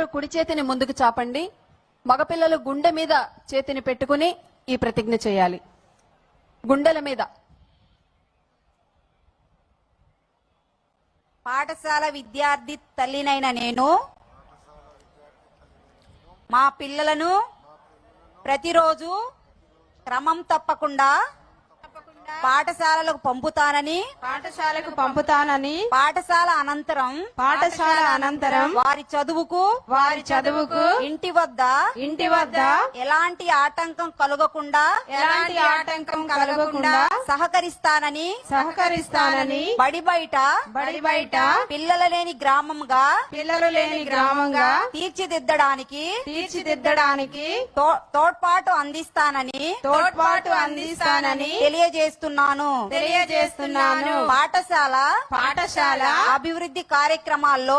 అందరూ కుడి చేతిని ముందుకు చాపండి. మగపిల్లలు గుండె మీద చేతిని పెట్టుకుని ఈ ప్రతిజ్ఞ చేయాలి. గుండెల మీద. పాఠశాల విద్యార్థి తల్లినైన నేను మా పిల్లలను ప్రతిరోజు క్రమం తప్పకుండా పాఠశాలకు పంపుతానని పాఠశాల అనంతరం వారి చదువుకు ఇంటి వద్ద ఎలాంటి ఆటంకం కలగకుండా సహకరిస్తానని బడి బయట పిల్లలు లేని గ్రామంగా తీర్చిదిద్దడానికి తోడ్పాటు అందిస్తానని తెలియజేస్తున్నాను. పాఠశాల అభివృద్ధి కార్యక్రమాల్లో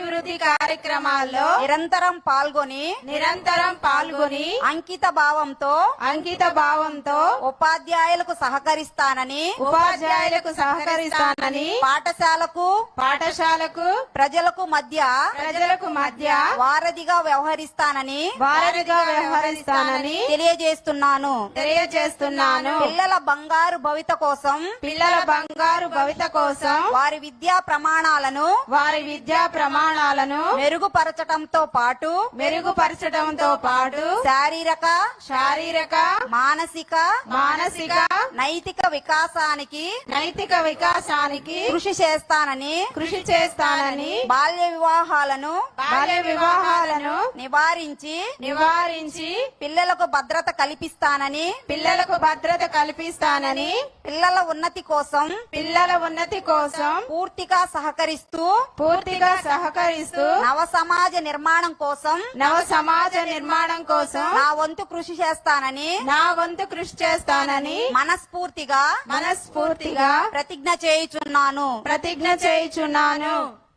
నిరంతరం పాల్గొని అంకిత భావంతో ఉపాధ్యాయులకు సహకరిస్తానని పాఠశాలకు ప్రజలకు మధ్య వారధిగా వ్యవహరిస్తానని తెలియజేస్తున్నాను. పిల్లల బంగారు భవిత కోసం వారి విద్యా ప్రమాణాలను మెరుగుపరచడంతో పాటు శారీరక మానసిక నైతిక వికాసానికి కృషి చేస్తానని బాల్య వివాహాలను నివారించి పిల్లలకు భద్రత కల్పిస్తానని పిల్లల ఉన్నతి కోసం పూర్తిగా సహకరిస్తూ నవ సమాజ నిర్మాణం కోసం నా వంతు కృషి చేస్తానని మనస్ఫూర్తిగా ప్రతిజ్ఞ చేయుచున్నాను.